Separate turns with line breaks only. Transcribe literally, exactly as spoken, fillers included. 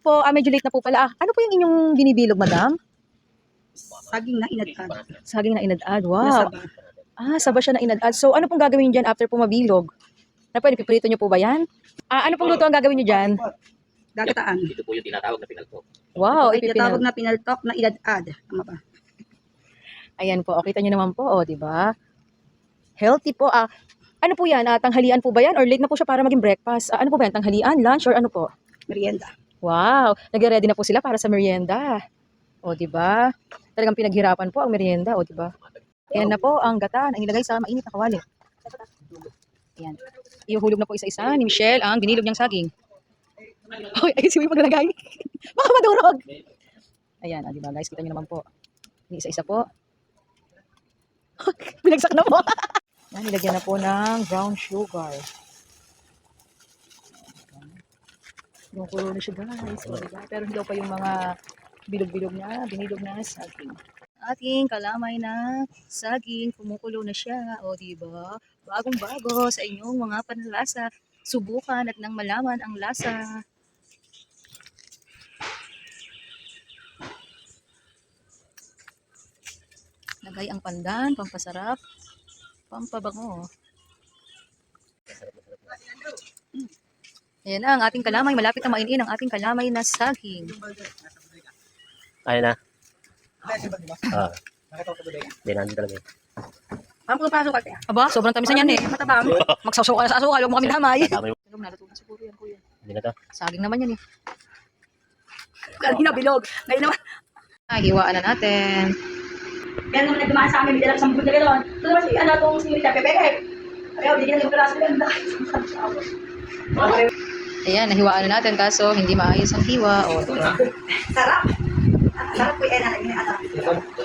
po. Ah, medyo late na po pala. Ah, ano po yung inyong binibilog, madam?
Saging na inadad.
Saging na inadad. Wow.
Nasaba.
Ah, saba siya na inadad. So, ano pong gagawin niyo dyan after po mabilog? Ano po, piprito niyo po ba yan? Ah, ano pong luto ang gagawin niyo dyan?
Dagataan.
Ito po yung tinatawag na pinaltok.
Wow,
Ito ay tinatawag
ipipinal.
na pinaltok na inadad. Tama ba?
Ayan po, okay, kita niyo naman po, oh, di ba? Healthy po. Ah, ano po yan? Ah, tanghalian po ba yan? Or late na po siya para maging breakfast? Ah, ano po ba yan? Tanghalian, lunch, or ano po?
Merienda.
Wow, nagre-ready na po sila para sa merienda. O, di ba? Talagang pinaghirapan po ang merienda, o, di ba? Ayan na po ang gata na inilagay sa mainit na kawali. Ayan. Ihuhulog na po isa-isa ni Michelle ang binilog niyang saging. Hoy, ayun si Will maglalagay. Baka madurog. Ayan, ah, di ba guys? Kita niyo naman po. Ini isa-isa po. Binagsak na po. Yan, nilagyan na po ng brown sugar. Kumukulo na siya guys. O, diba? Pero hindi daw pa yung mga bilog-bilog na, binilog na saging. Ating kalamay na saging, kumukulo na siya. O, diba? Bagong-bago sa inyong mga panlasa. Subukan at nang malaman ang lasa. Lagay ang pandan, pampasarap, pampabango. Hmm. Ayan na ang ating kalamay. Malapit na mainin ang ating kalamay na saging.
Kaya na. Ah. Hindi na, hindi talaga.
Paano kung pasok ka?
Aba, sobrang tamis na yan eh.
Matabang.
Magsawsaw ka na sa asukal, huwag mo kami damay.
Tama yung...
Alam, naluto na siguro yan, kuya.
Hindi na to.
Saging naman yan eh.
Kanina bilog. Ngayon naman.
Ay, hiwaan na natin.
Kaya naman nagdumaan sa amin, may dalang sampung na gano'n. Ito naman si, ano, itong si Rita Pepe. Kaya, bigyan ng peraso lang.
Ayan, nahiwaan na natin kaso hindi maayos ang hiwa. O, diba?
Sarap. Sarap po yan, anak.